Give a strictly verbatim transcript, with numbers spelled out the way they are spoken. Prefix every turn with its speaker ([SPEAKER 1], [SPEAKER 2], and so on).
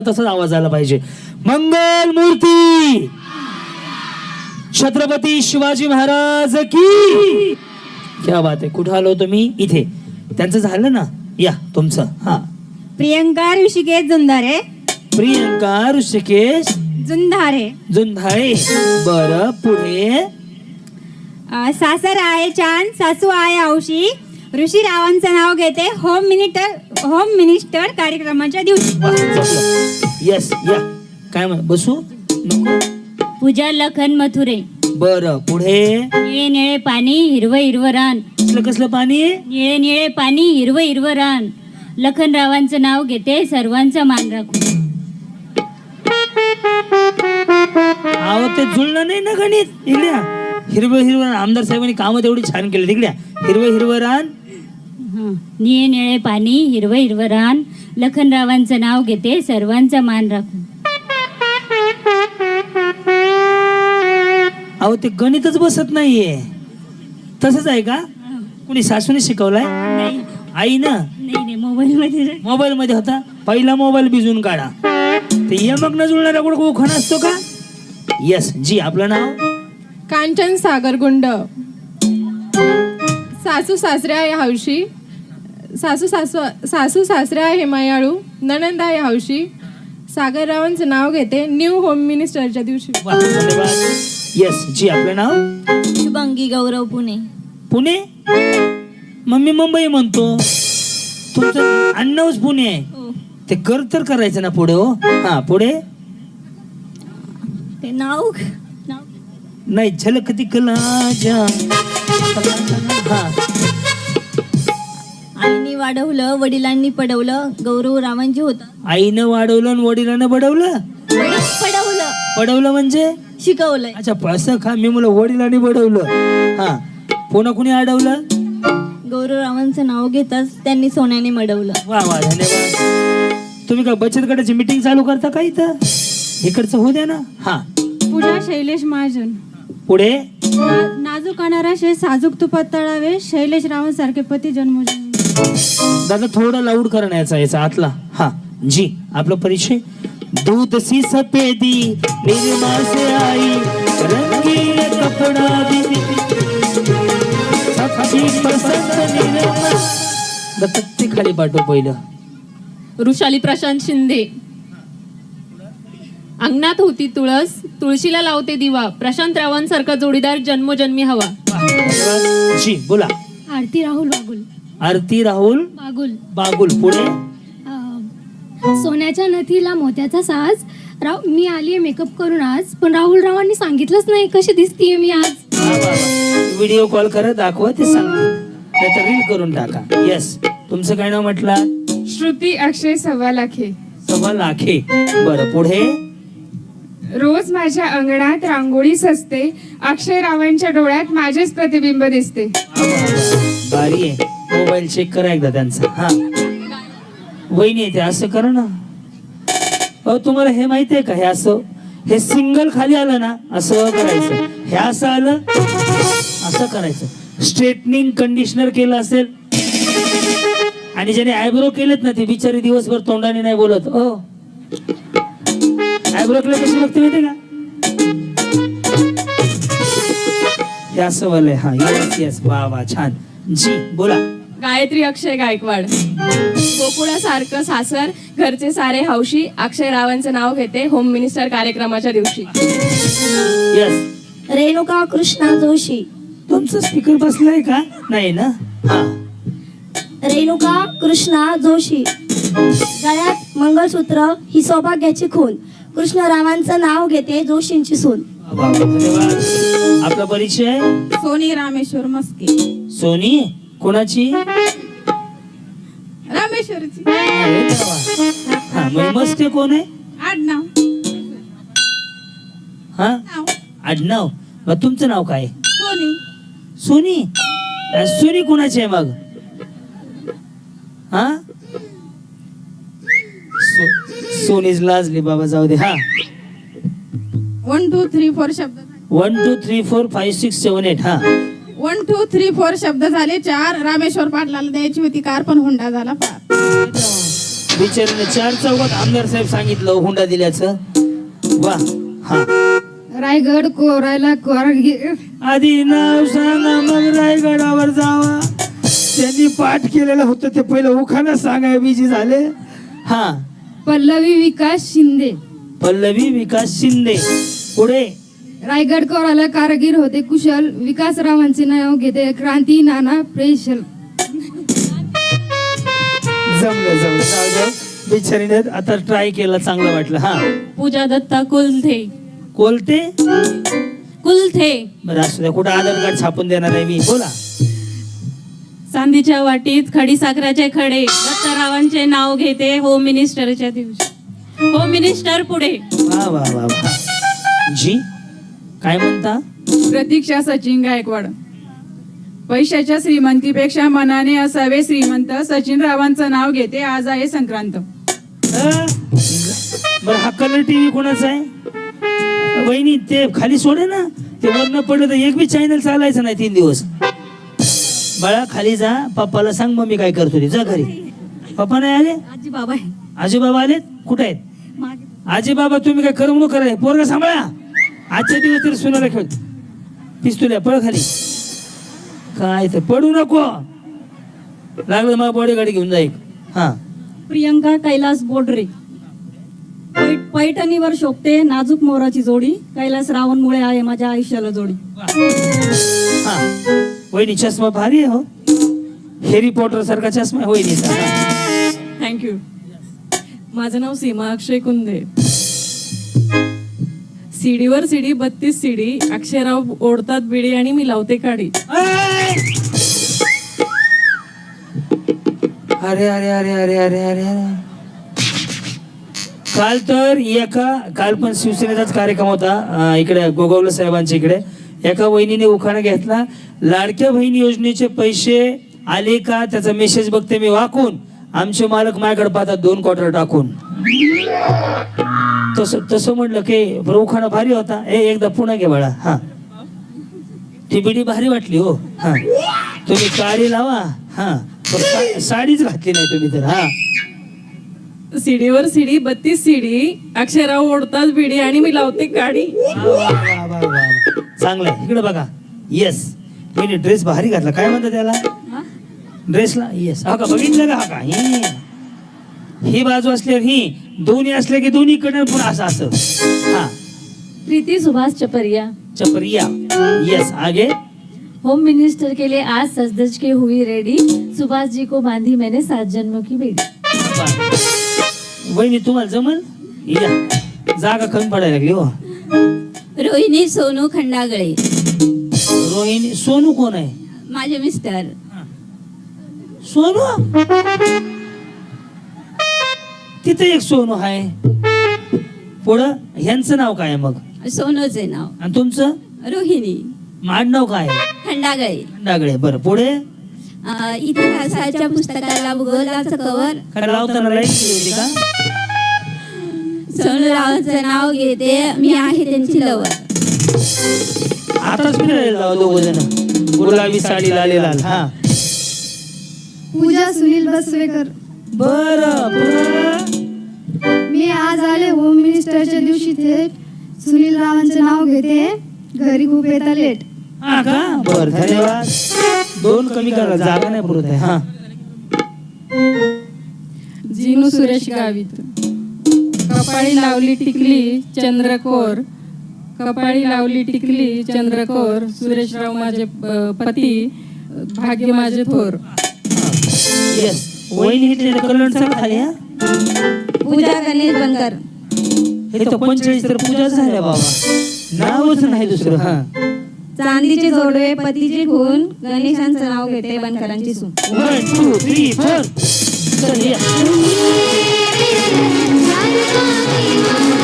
[SPEAKER 1] तसाच आवाज आला पाहिजे. मंगल मूर्ती छत्रपती शिवाजी महाराज की. क्या बात आहे. कुठं आलो तुम्ही? इथे. त्यांचं झालं ना. या तुमचं. हा.
[SPEAKER 2] प्रियंका ऋषिकेश जुंधारे.
[SPEAKER 1] प्रियंका ऋषिकेश
[SPEAKER 2] जुंधारे.
[SPEAKER 1] जुंधारे. बर पुढे.
[SPEAKER 2] अ, सासर आहे चांद, सासू आहे औशी. ऋषी रावांचं नाव घेते होम मिनिस्टर होम मिनिस्टर कार्यक्रमाच्या दिवशी.
[SPEAKER 1] यस या. काय म्हण बसू नको.
[SPEAKER 3] पूजा लखन मथुरे.
[SPEAKER 1] बर पुढे.
[SPEAKER 3] निळे निळे पाणी हिरवं हिरवं रान.
[SPEAKER 1] कसलं कसलं पाणी?
[SPEAKER 3] निळे निळे पाणी हिरवं हिरवं रान. लखनरावांचं नाव घेते सर्वांचा मान राखून.
[SPEAKER 1] अहो ते जुळलं नाही ना गणित. इकड्या हिरवं हिरवं. आमदार साहेबांनी कामं तेवढी छान केली. तिकड्या हिरवं हिरवं रान.
[SPEAKER 3] हं. निळे निळे पाणी हिरवं हिरवं रान. लखनरावांचं नाव घेते सर्वांचा मान राखून.
[SPEAKER 1] अहो ते गणितच बसत नाहीये. तसंच आहे का? कुणी सासूने शिकवलाय?
[SPEAKER 3] नाही
[SPEAKER 1] आई ना.
[SPEAKER 3] नाही नाही मोबाईल मध्ये.
[SPEAKER 1] मोबाईल मध्ये होता. पहिला मोबाईल भिजून काढा. ते यमक न जुळणारा कुठं उखाणा असतो का? यस जी. आपलं नाव?
[SPEAKER 4] कांचन सागरगुंड. सासू सासरे आहे हौशी. सासू सासू सासू सासरे आहे मायाळू. नणंद आहे हौशी. सागररावांचं नाव घेते न्यू होम मिनिस्टरच्या दिवशी.
[SPEAKER 1] वा, धन्यवाद. यस जी. आपलं नाव?
[SPEAKER 3] शुभांगी गौरव पुणे.
[SPEAKER 1] पुणे. मम्मी मुंबई म्हणतो. तुमचं अण्णाच पुणे आहे. ते कर तर करायचं ना पुढे. हो हा पुढे.
[SPEAKER 3] ते नाव
[SPEAKER 1] नाही झलक दिखला जा. हा.
[SPEAKER 3] आईने वाढवलं वडिलांनी पडवलं. गौरव रावांची होता.
[SPEAKER 1] आईनं वाढवलं आणि वडिलांनं बडवलं.
[SPEAKER 3] पडवलं
[SPEAKER 1] पडवलं म्हणजे?
[SPEAKER 3] शिकवलंय.
[SPEAKER 1] अच्छा असं का? मी मला वडिलांनी बडवलं. हा. पुन्हा कुणी अडवलं?
[SPEAKER 3] गौरव रावांचं नाव घेताच त्यांनी सोन्याने मडवलं.
[SPEAKER 1] वा वा धन्यवाद. तुम्ही का बचत गटाची मीटिंग चालू करता का इथं? इकडचं होऊ द्या ना. हा.
[SPEAKER 2] पूजा शैलेश महाजन.
[SPEAKER 1] पुढे.
[SPEAKER 2] ना- नाजूक अनाराशे साजूक तुपात तळावे. शैलेश रावांसारखे पती जन्मोजन्म.
[SPEAKER 1] दादा थोडा लाऊड करण्याचा याचा आतला. हा जी. आपला परिचय? दूध सी सफेदी निर्मा से आई रंगीन कपड़ा भी सबकी पसंद निर्मा. दत्त खाली पाठव पहिलं.
[SPEAKER 4] वृषाली प्रशांत शिंदे. अंगणात होती तुळस, तुळशीला लावते दिवा. प्रशांत रावांसारखा जोडीदार जन्मोजन्मी हवा.
[SPEAKER 1] धन्यवाद. जी बोला.
[SPEAKER 3] आरती राहुल बागुल.
[SPEAKER 1] आरती राहुल
[SPEAKER 3] बागुल.
[SPEAKER 1] बागुल. पुढे.
[SPEAKER 5] सोन्याच्या नथीला मोत्याचा साज. राव मी आलीये मेकअप करून आज, पण राहुल रावांनी सांगितलंच नाही कशी दिसतीये मी आज.
[SPEAKER 1] व्हिडिओ कॉल करा, दाखवा, ते सांगते. नाहीतर रील करून टाका. यस. तुमचं काय नाव म्हटलं?
[SPEAKER 6] श्रुती अक्षय सव्वा लाखे.
[SPEAKER 1] सव्वा लाखे. बरं पुढे.
[SPEAKER 6] रोज माझ्या अंगणात रांगोळी सजते. अक्षय रावांच्या डोळ्यात माझेच प्रतिबिंब दिसते.
[SPEAKER 1] बारी आहे. मोबाईल चेक करा एकदा त्यांचा. हा. वहिनी येते. असं करा ना. अहो तुम्हाला हे माहिती आहे का? हे असं हे सिंगल खाली आलं ना असं करायचं. हे असं आलं असं करायचं. स्ट्रेटनिंग कंडिशनर केलं असेल आणि ज्याने आयब्रो केलेत ना ते बिचारी दिवसभर तोंडाने नाही बोलत. ओ आयब्रो केलं कशी बघते माहिती का? हे असं वालंय. हा यस यस. वा वा छान. जी बोला.
[SPEAKER 4] गायत्री अक्षय गायकवाड. गोकुळासारखं सासर, घरचे सारे हौशी. अक्षय रावांचं नाव घेते होम मिनिस्टर कार्यक्रमाच्या दिवशी.
[SPEAKER 1] यस.
[SPEAKER 3] रेणुका कृष्णा जोशी.
[SPEAKER 1] तुमचं स्पीकर बसलाय का? नाही ना. हा.
[SPEAKER 3] रेणुका कृष्णा जोशी. गळ्यात मंगळसूत्र ही सौभाग्याची खून. कृष्णरावांचं नाव घेते जोशींची सून.
[SPEAKER 1] वा वा, धन्यवाद. आपला परिचय?
[SPEAKER 2] सोनी रामेश्वर मस्के.
[SPEAKER 1] सोनी. कोणाची?
[SPEAKER 2] रामेश्वरची.
[SPEAKER 1] अरे देवा. हा मग मस्ते कोण आहे?
[SPEAKER 2] आडनाव.
[SPEAKER 1] हा आडनाव. मग तुमचं नाव काय?
[SPEAKER 2] सोनी.
[SPEAKER 1] सोनी. अ, सोनी कोणाची आहे मग? हा सो- सोनीच लाजली बाबा. जाऊ दे. हा.
[SPEAKER 2] वन टू थ्री फोर शब्द.
[SPEAKER 1] One two three four five six seven eight. हा.
[SPEAKER 2] वन टू थ्री फोर शब्द झाले चार. रामेश्वर पाटलाला द्यायची होती कार, पण हुंडा झाला पार.
[SPEAKER 1] बिचारीने चार चौकात आमदार साहेब सांगितलं हुंडा दिल्याचं. वा. हा
[SPEAKER 6] रायगड कोरायला कोरगी
[SPEAKER 1] आधी नाव सांगा मग रायगडावर जावा. त्यांनी पाठ केलेलं होतं ते पहिलं उखाणं सांगाय बिजी झाले. हा
[SPEAKER 6] पल्लवी विकास शिंदे.
[SPEAKER 1] पल्लवी विकास शिंदे. पुढे
[SPEAKER 6] रायगड कोरायला कारगीर होते कुशल. विकासरावांचे नाव घेते क्रांती नाना प्रेशल.
[SPEAKER 1] जमलं जमलं जाऊ जाऊ. बिचारीने आता ट्राय केलं चांगलं वाटलं. हा
[SPEAKER 3] पूजा दत्ता कुलथे.
[SPEAKER 1] कोलते
[SPEAKER 3] कुलथे.
[SPEAKER 1] बरं असू द्या. कुठं आधार कार्ड छापून देणार आहे मी. बोला.
[SPEAKER 3] चांदीच्या वाटीत खडी साखराचे खडे दत्तारावांचे नाव घेते होम मिनिस्टरच्या दिवशी. होम मिनिस्टर पुढे.
[SPEAKER 1] वा वा वा वा. जी काय म्हणता.
[SPEAKER 7] प्रतीक्षा सचिन गायकवाड. पैशाच्या श्रीमंतीपेक्षा मनाने असावे श्रीमंत. सचिन रावांचं नाव घेते. आज आहे संक्रांत.
[SPEAKER 1] अं? बरं हा कलर टीव्ही कोणाचा आहे. वहिनी ते खाली सोडे ना. ते वरनं पडलं तर एक बी चॅनल चालायचं नाही तीन दिवस. बाळा खाली जा. पप्पाला सांग मम्मी काय करतो ते. जा घरी. पप्पा नाही आले.
[SPEAKER 3] आजी बाबा आहे.
[SPEAKER 1] आजी बाबा आलेत. कुठे आहेत आजी बाबा. तुम्ही काय करमणूक करा. पोरगा सांभाळा. आजच्या दिवस तरी सुनाला खेळ. पिस्तुल्या पळ खाली. काय तर पडू नको. लागलं मग बॉडी गाडी घेऊन जाईल. हा
[SPEAKER 8] प्रियंका कैलास बोडरे. पैठ पैठणीवर शोभते नाजूक मोराची जोडी. कैलास रावणमुळे आहे माझ्या आयुष्याला जोडी.
[SPEAKER 1] हा वहिनी चष्मा भारी आहे हो. हॅरी पॉटर सारखा चष्मा आहे वहिनीचा.
[SPEAKER 4] थँक्यू. माझं नाव सीमा अक्षय कुंदे. सीडीवर सीडी बत्तीस सीडी. अक्षयराव ओढतात बिडी आणि मी लावते काडी.
[SPEAKER 1] अरे अरे अरे अरे अरे अरे अरे काल तर एका काल पण शिवसेनेचाच कार्यक्रम होता अं, इकडे गोगावले साहेबांच्या इकडे. एका वहिनीने उखाणा घेतला. लाडक्या बहीण योजनेचे पैसे आले का त्याचा मेसेज बघते मी वाकून. आमचे मालक माझ्याकडे पाहतात दोन क्वार्टर टाकून. तसं तसं म्हटलं की बरं उखाणा भारी होता. ए एकदा पुन्हा घे बाळा. हा ती बिडी भारी वाटली हो. हा तुम्ही काळी लावा. हा पण सा- साडीच घातली नाही तुम्ही तर. हा
[SPEAKER 4] सीडीवर सीडी बत्तीस सीडी. अक्षयराव ओढतात बिडी आणि मी लावते काडी.
[SPEAKER 1] वा, वा, वा, वा, वा. चांगलंय. इकडे बघा. येस मी ड्रेस भारी घातला. काय म्हणतात त्याला ड्रेसला. येस हा का बघितलं का. हा का ही ही बाजू असल्यावर ही दोन्ही असले की दोन्ही कडे पण असं असं. हा
[SPEAKER 8] प्रीती सुभाष चपरिया.
[SPEAKER 1] चपरिया. यस आगे.
[SPEAKER 8] होम मिनिस्टर के लिए आज सजदज के हुई रेडी. सुभाष जी को बांधी मैंने सात जन्मों की बेड़ी.
[SPEAKER 1] वहिनी तुम्हाला जमल. या जागा कमी पडायला लागली हो.
[SPEAKER 3] रोहिणी सोनू खंडागळे.
[SPEAKER 1] रोहिणी. सोनू कोण आहे.
[SPEAKER 3] माझे मिस्टर.
[SPEAKER 1] सोनू. तिथे एक सोनू आहे. पुढं ह्यांचं नाव काय आहे मग.
[SPEAKER 3] सोनूचे नाव.
[SPEAKER 1] आणि तुमचं
[SPEAKER 3] रोहिणी
[SPEAKER 1] माडनाव काय आहे.
[SPEAKER 3] खंडागळे.
[SPEAKER 1] डागळे. बरं पुढे.
[SPEAKER 3] अं, इतिहासाच्या पुस्तकाला भूगोलाचं कवर.
[SPEAKER 1] काय लावताना लाईट गेली होती का.
[SPEAKER 3] सोनू रावांचं नाव घेते. मी आहे त्यांची लवर.
[SPEAKER 1] आताच फिरायला जाऊ दोघ जण. गुलाबी साडी लाल लाल. हा
[SPEAKER 5] पूजा सुनील बसवेकर.
[SPEAKER 1] बरं बरं.
[SPEAKER 5] मी आज आले होम मिनिस्टरच्या दिवशी थेट. सुनील रावांचं नाव घेते. घरी खूप येता लेट.
[SPEAKER 1] हा का. बर धन्यवाद. दोन कमी करा जागा नाही पुरत आहे. हा
[SPEAKER 4] जिनू सुरेश गावित. कपाळी लावली टिकली चंद्रकोर. कपाळी लावली टिकली चंद्रकोर. सुरेशराव माझे अ, पती. भाग्य माझे थोर.
[SPEAKER 1] येस वहिनी घेतलेलं कलर चांगला खाली. हा
[SPEAKER 2] पूजा गणेश बनकर.
[SPEAKER 1] हे तर पंचेचाळीस तर पूजा झाल्या बाबा. नावच नाही दुसरं. हा
[SPEAKER 2] चांदीचे जोडवे पतीचे खून. गणेशांचं नाव घेते बनकरांची सून.
[SPEAKER 1] One two three four. चल या.